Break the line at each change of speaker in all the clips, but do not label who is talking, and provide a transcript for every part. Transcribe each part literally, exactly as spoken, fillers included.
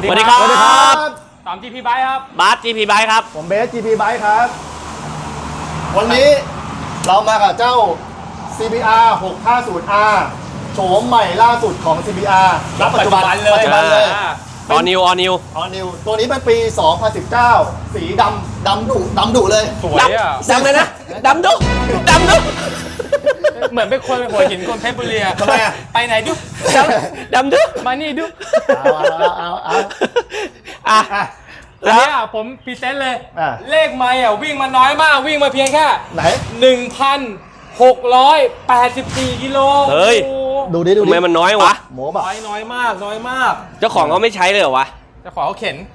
สวัสดีครับ
ตาม จี พี Bike ครับ
บาส จี พี Bike ครับ
ผมเบส จี พี Bike ครับวันนี้เรามากับเจ้า ซี บี อาร์ หกห้าศูนย์ อาร์ โฉมใหม่ล่าสุดของ ซี บี อาร์
รับปัจจุบันเลย
ปัจจุบันเลย
ออนิวออนิว
ออนิวตัวนี้เป็นปี สองพันสิบเก้า สีดำดำดุดำดุเลย
สวยอ่ะ
ดำเลยนะดำดุดำดุ
เหมือนเป็นคนหัวหินคนเพชรบุรีทำไมอ่ะไปไหนดุ
ดำดำดุ
มานี่ดุ
เอาเอาเอาเอา
อ่ะ
อันนี้อ่ะผมพรีเซนต์เลยเลขไม่อ่ะวิ่งมาน้อยมากวิ่งมาเพียงแค่
ไหน
หนึ่งพันหกร้อยแปดสิบสี่กิโล
เฮ้ย
ดูดิดูดิ
ทำไมมันน้อยวะ
หมูแบบ
น้อยน้อยมากน้อยมาก
เจ้าของเขาไม่ใช้เลยเหรอวะ
เจ้าของเขาเข็น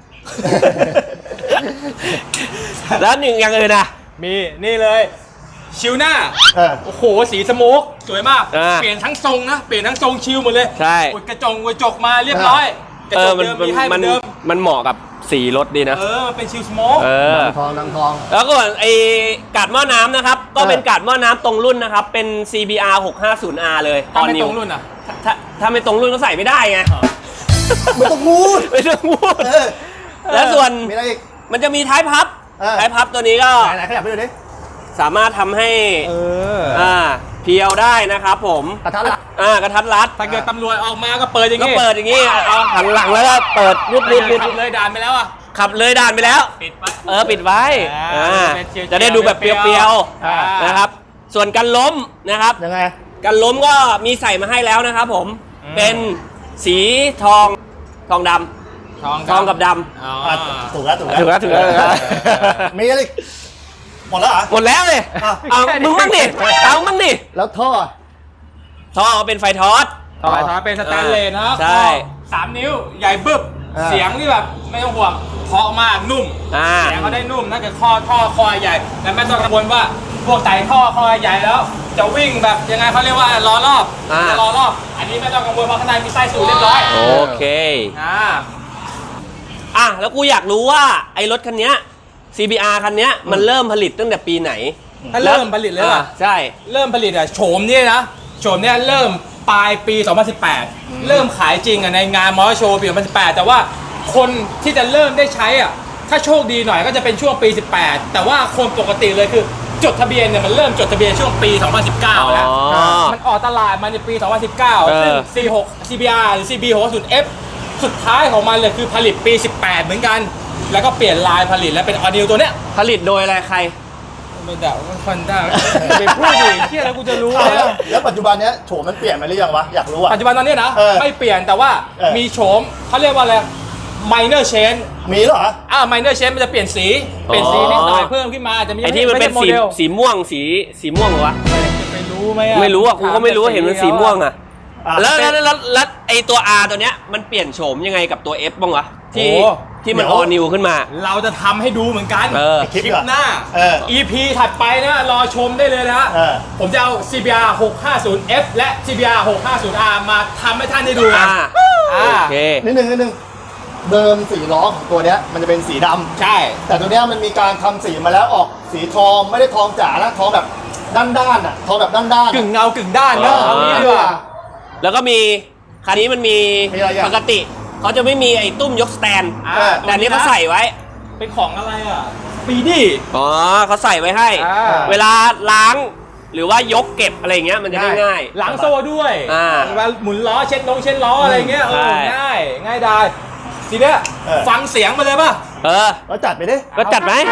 แล้วหนึ่งอย่างอื่นอ่ะ
มีนี่เลยชิวหน้าโอ้โหสีสโมกสวยมากเปลี่ยนทั้งทรงนะเปลี่ยนทั้งทรงชิวหมดเลย
ใช่
กระจงกระจกมาเรียบร้อยกระจกเดิมมีให้เหมือนเดิม
มันเหมาะกับสีรถดีนะ
เออมันเป็นชิวสโมก
ดังทองดังทอง
แล้วก็ไอ้กาดหม้อน้ำนะครับก็เป็นกาดหม้อน้ำตรงรุ่นนะครับเป็น ซี บี อาร์ หกห้าศูนย์ อาร์ เลย
ถ้าไม่ตรงรุ่นอ่ะ
ถ้าถ้าไม่ตรงรุ่นก็ใส่ไม่ได้ไง
ไม่ต้องพูด
ไม่ต้องพูดแล้วส่วน
มีอะไรอีก
มันจะมีท้ายพับท้ายพับตัวนี้ก็
ไหนๆขยับไปดูดิ
สามารถทำให้
เออ
อ่าเพียวได้นะครับผม
กระทัดรัด
อ่ากระทัดรัด
ถ้าเกิดตำรวจออกมาก็เปิดอย่าง
งี้ก็เปิดอย่างงี้เอาหันหลังแล้วก็เปิดรุดรุด
ขับเลยด่านไปแล้วอ่ะ
ขับเลยด่านไปแล้ว
ปิดไป
เออปิดไว้อ่าจะได้ดูแบบเปรียวๆนะครับส่วนการล้มนะครับ
ยังไง
การล้มก็มีใส่มาให้แล้วนะครับผมเป็นสีทองทองดำ
ทอง
ทองกับดำ
ถูกแล้วถูกแล้ว
ถูกแล้วถูกแล้ว
มีอะไรหมดแล้วอ่ะ
หมดแล้วเลยเอามึงมั่งดิเอามั่งดิ
แล้วท่อ
ท่อเป็นไฟทอส
ท่อไฟทอสเป็นสแตนเลสนะ
ใช่
สามนิ้วใหญ่บึ้บเสียงนี่แบบไม่ต้องห่วงเพราะมากนุ่มเสียงเขาได้นุ่มน่าจะท่อท่อคอใหญ่และไม่ต้องกังวลว่าพวกไต่ท่อคอใหญ่แล้วจะวิ่งแบบยังไงเขาเรียกว่าล้อรอบล้อรอบอันนี้ไม่ต้องกังวลเพราะข้างในมีไส้สูงเรียบร้อย
โอเค
อ่า
อ่ะแล้วกูอยากรู้ว่าไอ้รถคันนี้ ซี บี อาร์ คันนี้มันเริ่มผลิตตั้งแต่ปีไหน
ถ้าเริ่มผลิตเลยอ่ะ
ใช่
เริ่มผลิตอ่ะโฉมนี่นะโฉมเนี่ยเริ่มปลายปีสองพันสิบแปดเริ่มขายจริงอ่ะในงานมอเตอร์โชว์ปีสองพันสิบแปดแต่ว่าคนที่จะเริ่มได้ใช้อ่ะถ้าโชคดีหน่อยก็จะเป็นช่วงปีสิบแปดแต่ว่าคนปกติเลยคือจดทะเบียนเนี่ยมันเริ่มจดทะเบียนช่วงปีสองพันสิบเก้าแล้วมันออกตลาดมาในปีสองพันสิบเก้าซึ่ง ซี หก ซี บี อาร์ หรือ ซี บี หกห้าศูนย์ เอฟ สุดท้ายของมันเลยคือผลิตปีสิบแปดเหมือนกันแล้วก็เปลี่ยนลายผลิตแล้วเป็นออนิวตัวเนี้ย
ผลิตโดยอะไรใคร
ไม่ด่าคนด่าไปพูดดิเที่ยแล้วกูจะรู้
แล้วแล้วปัจจุบันเนี้ยโฉมมันเปลี่ยนไปหรือยังวะอยากรู้อ่ะ
ปัจจุบันตอนนี้นะไม่เปลี่ยนแต่ว่ามีโฉมเขาเรียกว่าอะไร minor change
มีเหรอ
อ่า minor change มันจะเปลี่ยนสีเปลี่ยนสีนิดหน่อยเพิ่มขึ้นมาจะมี
ไอ้ที่มันเป็นสีสีม่วงสีสีม่วงเหรอวะ
ไม่รู้ไหมอ่ะ
ไม่รู้อ่ะกูก็ไม่รู้เห็นมันสีม่วงอ่ะแล้วแล้วแล้วไอ้ตัว R ตัวเนี้ยมันเปลี่ยนโฉมยังไงกับตัว F บ้างวะที่ที่มันออนิวขึ้นมา
เราจะทำให้ดูเหมือนกัน
คลิป
หน้า อี พี ถัดไปนะรอชมได้เลยนะผมจะเอา ซี บี อาร์ หกห้าศูนย์ เอฟ และ ซี บี อาร์ หกห้าศูนย์ อาร์ มาทำให้ท่านได้ดู
อ่าโอเค
นิดนึงนิดนึงเดิมสีล้อของตัวเนี้ยมันจะเป็นสีดำ
ใช่
แต่ตัวเนี้ยมันมีการทำสีมาแล้วออกสีทองไม่ได้ทองจ๋านะทองแบบด้านๆอ่ะทองแบบด้านๆ
กึ่งเงากึ่งด้านนะเอางี้ดีกว่า
แล้วก็มีคันนี้มันมีปกติเขาจะไม่มีไอ้ตุ้มยกสแตนแต่อันนี้เขาใส่ไว้
เป็นของอะไรอ่ะปีดี้
อ๋อเขาใส่ไว้ให้เวลาล้างหรือว่ายกเก็บอะไรเงี้ยมันจะได้ง่าย
ล้างโซ่ด้วยเวลาหมุนล้อเช็ดน้องเช็ดล้ออะไรเงี้ยง่ายง่ายได้ทีเนี้ยฟังเสียงมาเลยป่ะ
เออ
ก็จัดไปดิ
ก็จัดไหม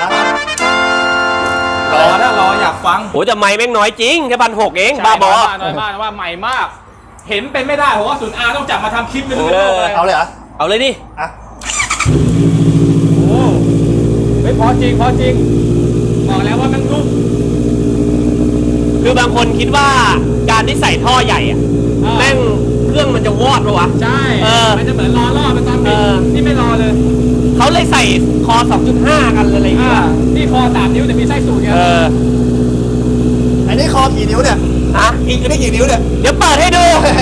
รอนะรออยากฟัง
โอ้แต่ไม่แม่งน้อยจริงแค่พันหกเองบ้าบอ
น้อยมากว่าใหม่มากเห็นเป็นไม่ได้ผมว่าศูนย์อาร์ต้องจับมาทำคลิปเลย
เอาเลยเหรอ
เอาเลยดิ
อ่ะ
โอ้ไม่พอจริงพอจริงบอกแล้วว่ามันนุ่ม
คือบางคนคิดว่าการที่ใส่ท่อใหญ่อะแม่งเครื่องมันจะวอดปะวะ
ใช่มันจะเหมือนล้อรอบเป็นตอนบินนี่ไม่รอเลย
เขาเลยใส่คอ สองจุดห้า กันอะไรอย่างเงี้ย
นี่คอสามนิ้วแต่มีไส้สูงเนี่ย
อันนี้คอกี่นิ้วเนี่ย
ฮะ
อีกอันนี้กี่นิ้วเนี่ย
เดี๋ยวเปิดให้ดู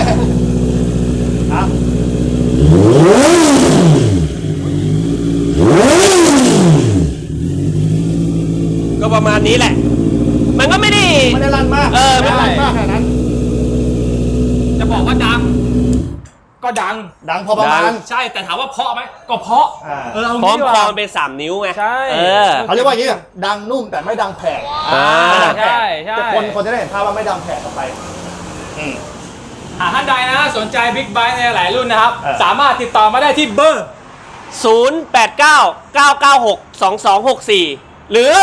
ก็ประมาณนี้แหละมันก็ไม่ได้
ไม่ได้ลั่นมาก
เออ
ไม่ลั่นมากขนาดนั้น
จะบอกว่าดังก็ดัง
ดังพอประมา
ดั
ณ
ง
ใช่แต่ถามว่าเพราะไหมก็เพราะ
อ่า
เออเอา
พร้อ
งี้
ม
ดีก
คอ
ว่า
มันเป็นสามนิ้วไง
ใช่
เออ
เขาเรียกว่าอย่างนี้ดังนุ่มแต่ไม่ดังแผล
อ่า
ไม่ดังแผล
ใช่ใช่
แต่คนคนจะได้เห็นภาพว่าไม่ดังแผลออกไปอืม
หากท่านใดนะสนใจบิ๊กไบค์ในหลายรุ่นนะครับ
เออ
สามารถติดต่อมาได้ที่เบอร์
ศูนย์ แปด เก้า เก้า เก้า หก สอง สอง หก สี่ หรือ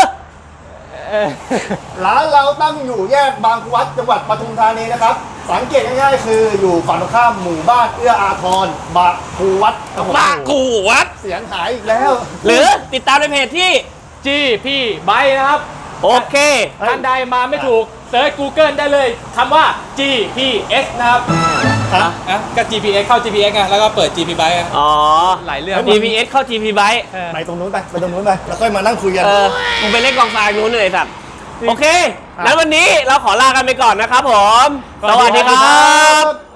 ร้านเราตั้งอยู่แยกบางครูวัดจังหวัดปทุมธานีนะครับ สังเกตง่ายๆคืออยู่ฝั่งตรงข้ามหมู่บ้านเอื้ออาทรบางครูวัดครับผม
บ้ากูวัด
เสียงหายอีกแล้ว
หรือติดตามในเพจที่
จีพี่ไบค์นะครับ
โอเค
ท่านใดมาไม่ถูกเซิร์ช Google ได้เลยคำว่า จี พี เอส นะครับ
อ่ะ
อ่ะก็ จี พี เอส เข้า จี พี เอส ไงแล้วก็เปิด จี พี Bike อ่ะ
อ๋อ
หลายเรื่อง
จี พี เอส เข้า จี พี Bike
เออ
ไปตรงนู้นไปไปตรงนู้นไปแล้วค่อยมานั่งคุยกัน
เออมึงไปเล่นกองทรายนู้นเลยสัตว์โอเค งั้นวันนี้เราขอลากันไปก่อนนะครับผม สวัสดีครับ
ครับ